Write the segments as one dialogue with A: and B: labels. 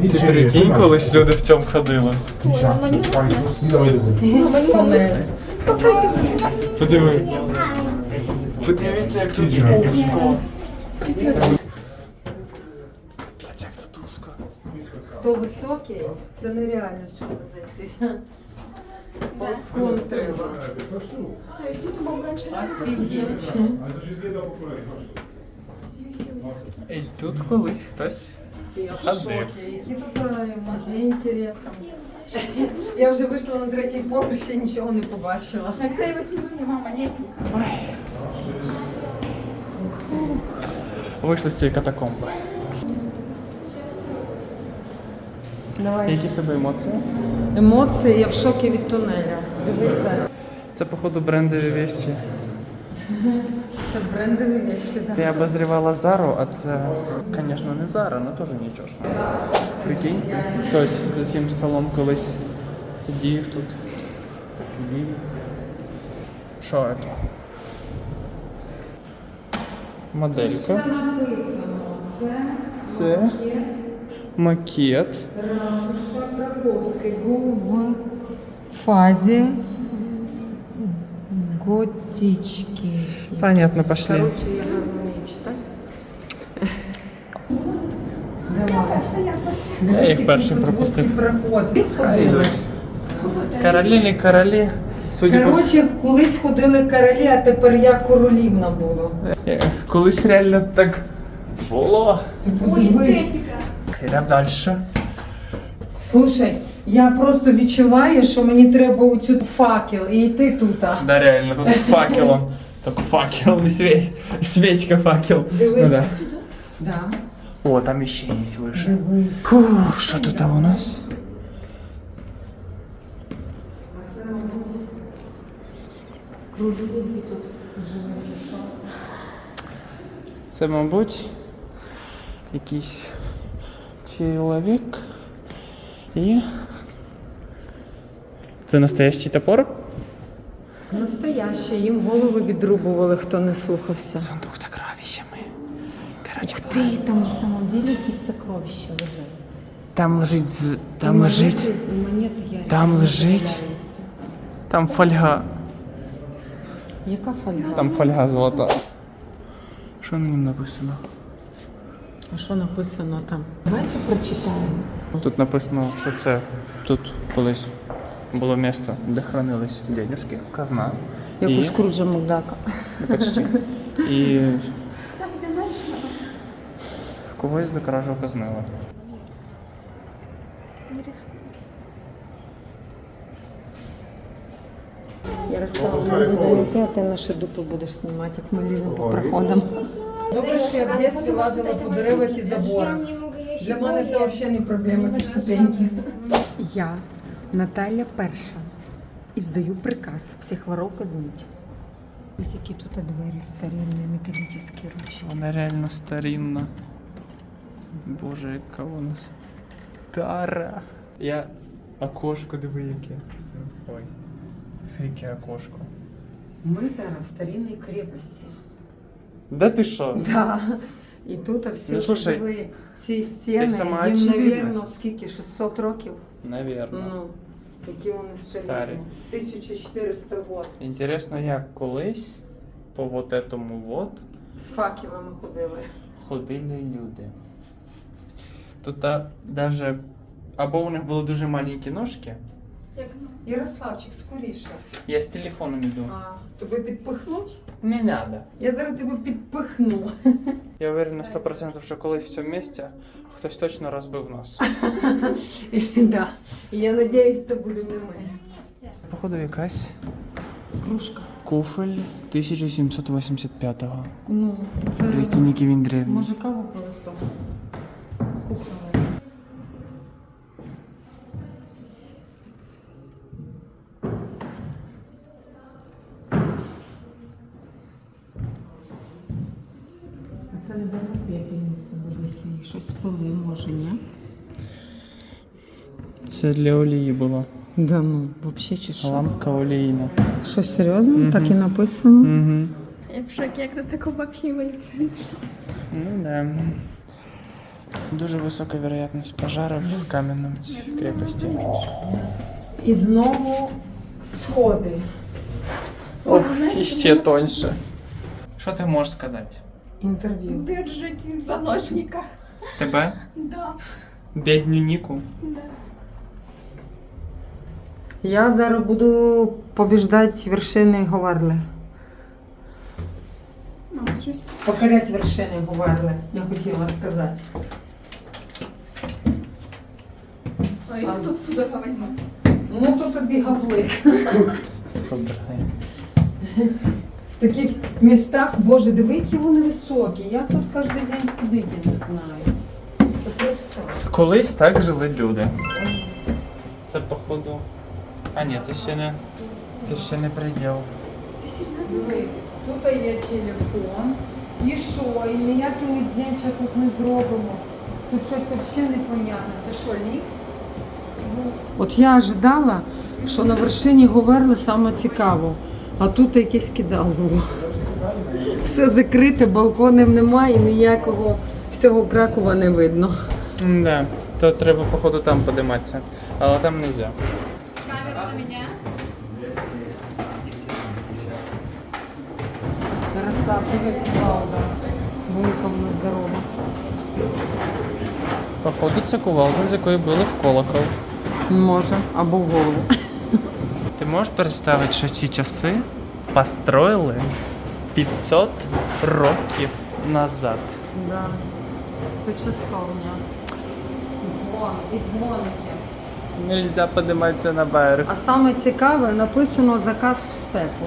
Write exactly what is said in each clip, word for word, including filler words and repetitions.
A: Ти прикинь, колись люди в цьому ходили. Подиви. Подивіться, як тут узко. Капець, як тут узко.
B: Хто високий, це нереально сюди зайти. Балкон треба. Офігеть.
A: І тут колись хтось
B: Я в
A: ходив.
B: шокі. Які тут музеї інтересом. Я вже вийшла на третій поверх, ще нічого не побачила.
C: Так це і восьмусінь, мама, несенька.
A: Вийшли з цієї катакомби.
B: Давай.
A: Які в тебе емоції?
B: Емоції, я в шокі від тунеля. Дивися.
A: Це, походу, брендові вещі.
B: Це брендові вещі, так.
A: Ти обозрівала Зару, а це, звісно, не Зара, але теж нічого. Прикинь, хтось за цим столом колись сидів тут. Такий. Що це? Моделька.
B: Це написано. Це
A: Це макет.
B: Ратуша Краковський був в фазі готички.
A: Понятно, пошли.
B: Короче, я гарно не читаю. Давай.
A: Я їх першим пропустив.
B: Проход.
A: Королі, не королі. Судя по
B: Коротше, колись ходили королі, а тепер я королівна буду.
A: Е, колись реально так було.
C: Ой, естетика.
A: Йдемо далі.
B: Слушай, я просто відчуваю, що мені треба оцю факел і йти тут.
A: Да, реально, тут з факелом. Так факел, не свеч... свечка, факел.
B: Дивись.
A: Ну, да.
B: Да.
A: О, там ще є вище.
B: Дивись.
A: Фух, що тут у нас?
B: Кругові тут живе, що?
A: Це, мабуть, якийсь чоловік. І... Це настоящий топор?
B: Настояще, їм голови відрубували, хто не слухався.
A: Сундук з сокровищами. Короче,
B: Ти, там на самом деле якісь сокровища лежать.
A: там лежить, з- там лежить,
B: І монети я
A: там
B: реально
A: лежить.
B: здивляюся.
A: там фольга,
B: Яка фольга?
A: там фольга золота. Що на ньому написано?
B: А що написано там? Давай це прочитаємо.
A: Тут написано, що це тут колись було місце, де хранились денежки, казна.
B: Як
A: і...
B: у Скруджа Макдака.
A: Ну, почти. І
C: Так, йдемо далі.
A: когось за кражу казнили.
C: Не рискуй.
B: Ярослав, ми будемо йти, а ти наші дупи будеш знімати, як ми ліземо по проходам. Добре, що я в дитинстві лазила по деревах і заборах. Для мене це взагалі не проблема, ці ступеньки. Я, Наталя Перша, і здаю приказ всіх воров казнить. Ось які тут двері старинні, металічні ручки.
A: Вона реально старинна. Боже, яка вона стара. Я окошко диви яке. Ой. Фейке окошко.
B: Ми зараз в старинній крепості.
A: Да ти що?
B: Да. І тут всі
A: Ну, слушай,
B: диви, ці стіни,
A: сама
B: їм,
A: очевидність.
B: навірно, скільки, шістсот років?
A: Навірно.
B: Ну, які вони старі.
A: Старі.
B: тисяча чотириста год.
A: Інтересно, як колись по вот этому вот
B: З факелами ходили.
A: ходили люди. Тут а, даже або у них були дуже маленькі ножки.
C: Як
B: Ярославчик, скоріше.
A: Я з телефоном іду.
B: А, тебе підпихнуть?
A: Не надо.
B: Я зараз тебе підпихну.
A: Я уверен на сто процентів, що колись в цьому місці хтось точно розбив нос.
B: Да. І я сподіваюся, це буде не ми.
A: Походу якась
B: Кружка.
A: куфель тисяча сімсот вісімдесят п'ятого.
B: Ну, це...
A: Прикинь, який він древній.
B: Може каву пили з того? Кухали. Це не було пепельниця, дивися, їх щось пили, може, ні?
A: Це для олії було.
B: Да ну, взагалі чи що?
A: Лампка олійна.
B: Що, серйозно?
A: Мгм.
B: Так і написано?
A: Угу.
C: Я в шокі, як на таку взагалі виявиться.
A: Ну да. Дуже висока вероятність пожарів в кам'яному крепості.
B: І знову сходи.
A: Ох, і ще тоньше. Що ти можеш сказати?
B: Інтерв'ю.
C: Держите в заложниках.
A: Тебе?
C: Да,
A: Бідню Ніку?
C: да.
B: Я зараз буду побіждати вершини Говерле.
C: Мама, щось.
B: Покорять вершини Говерле, я хотіла сказати.
C: А если тут судорога возьму?
B: Ну, то тобі гаплик.
A: Супер.
B: В таких містах, боже, диви, які вони високі. Я тут кожен день ходити, я не знаю. Це просто.
A: Колись так жили люди. Це походу. А ні, це ще не. Це ще не приділ.
C: Ты серьезно?
B: Диви, тут є телефон. І що? І ніякі ми здяча тут не зробимо. Тут щось взагалі непонятне. Це що, ліфт? От я ожидала, що на вершині Говерли саме цікаво, а тут якесь кидалово. Все закрите, балконів немає, ніякого всього Кракова не видно.
A: Да, то треба походу там подиматися. Але там не можна.
C: Камеру на меня.
B: Ярослав, привіт, правда. Великовна здорова.
A: Походу це кувалда, з якої били в колокол.
B: Може, або в голову.
A: Ти можеш представити, що ці часи построїли п'ятсот років назад?
B: Да. Це часовня. Дзвон і дзвоники.
A: Нельзя подиматися на берег.
B: А саме цікаве, написано заказ в степу.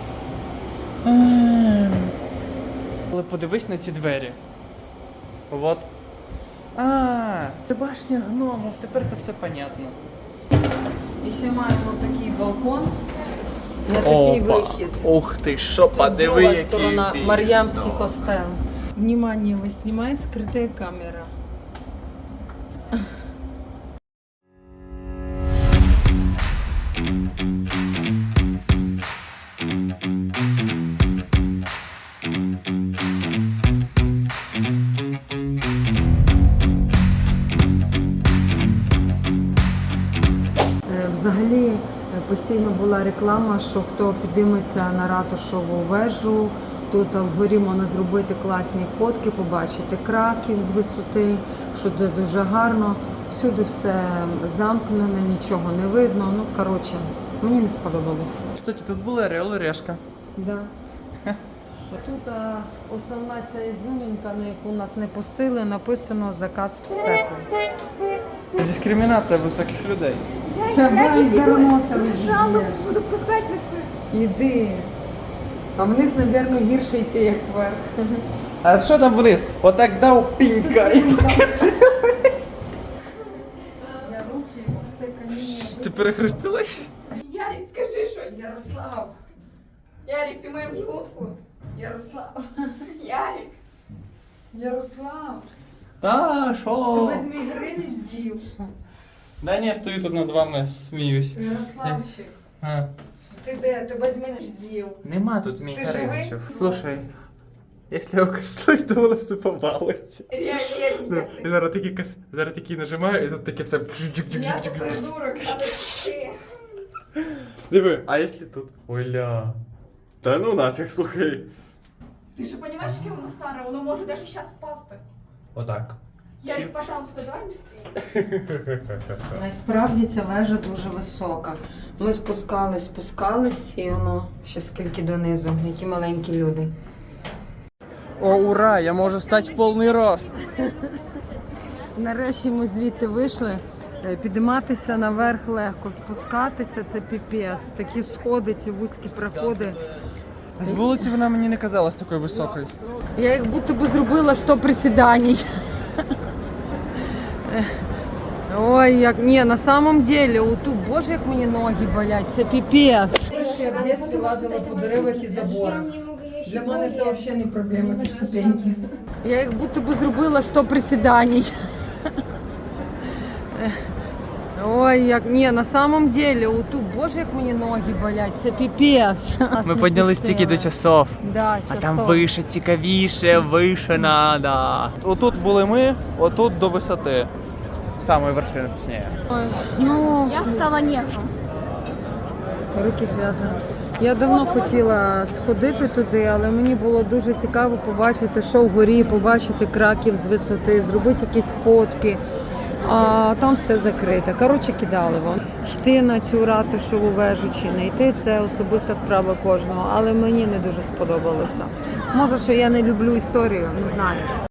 A: Але подивись на ці двері. Вот. А, це башня гному. Тепер це все понятно.
B: І ще маємо такий балкон на такий
A: Опа.
B: вихід.
A: Ух ти, що
B: Тут
A: подиви,
B: друга
A: який
B: сторона,
A: він.
B: Мар'ямський костел. Внимание, вас знімає скрита камера. Е, Взагалі е, постійно була реклама, що хто підійметься на ратушову вежу, тут а, вгорі можна зробити класні фотки, побачити Краків з висоти, що це дуже гарно. Всюди все замкнене, нічого не видно. Ну, коротше, мені не сподобалось.
A: Кстати, тут була Орел і Решка.
B: Да. А тут а, основна ця ізюмінка, на яку нас не пустили, написано «Заказ в степу».
A: Дискримінація високих людей.
C: Я и
B: Давай,
C: краки веду.
B: Зароноса
C: Жалобу
B: разъедешь.
C: буду писать на це.
B: Іди. А вниз, мабуть, гірше йти, як вверх.
A: А що там вниз? Отак дав пінька і покатилась.
B: Я руки, це каміння.
A: Ти перехрестилась?
C: Ярик, скажи щось.
B: Ярослав,
C: Ярик, ти в моєму желудку.
B: Ярослав,
C: Ярик.
B: Ярослав.
A: Та,
B: Ти
A: що?
B: візьми Гринич з'їв.
A: Да ні, стою тут над вами, сміюсь.
B: Ярославчик,
A: А.
B: ти де? Тебе зміниш з'їв.
A: Нема тут змій
B: Ти живий?
A: Хариничів. Слушай, якщо я коснусь, то воно все повалить.
C: Реально, Ярик,
A: Ну,
C: не
A: і зараз такі кас... зараз такі нажимаю, і тут таке все.
C: Я то придурок, але ти.
A: Диви, а якщо тут? Оля. Та ну нафіг, слухай.
C: Ти ж розумієш, яке воно старе, воно може навіть зараз впасти.
A: Отак.
C: Ярик, пожалуйста, давай быстрее.
B: Насправді ця вежа дуже висока. Ми спускались, спускались, і воно ще скільки донизу, які маленькі люди.
A: О, ура! Я можу стати в повний рост.
B: Нарешті ми звідти вийшли. Е, Підійматися наверх легко, спускатися це піпець. Такі сходи, ці вузькі проходи.
A: З вулиці вона мені не казалась такою високою.
B: Я як будто би зробила сто присідань. Ой, як ні, на самом деле, отут, боже, як мені ноги болять, це піпець. Я в дитинстві лазила по деревах і заборах. Для мене це взагалі не проблема, ці ступеньки. Я як будто би зробила сто присідань. Ой, як ні, на самом деле, отут, боже, як мені ноги болять, це піпець. Нас
A: Ми
B: не
A: піднялись
B: пустили.
A: тільки до часов.
B: Да,
A: А
B: часов.
A: там вище, цікавіше, вище надо. Отут були ми, отут до висоти. Самої вершини, точніше.
B: Ой, ну,
C: Я стала нету.
B: руки зв'язані. Я давно хотіла сходити туди, але мені було дуже цікаво побачити, що вгорі, побачити Краків з висоти, зробити якісь фотки. А там все закрите. Коротше, кидали вон. Йти на цю ратушеву вежу чи не йти – це особиста справа кожного, але мені не дуже сподобалося. Може, що я не люблю історію, не знаю.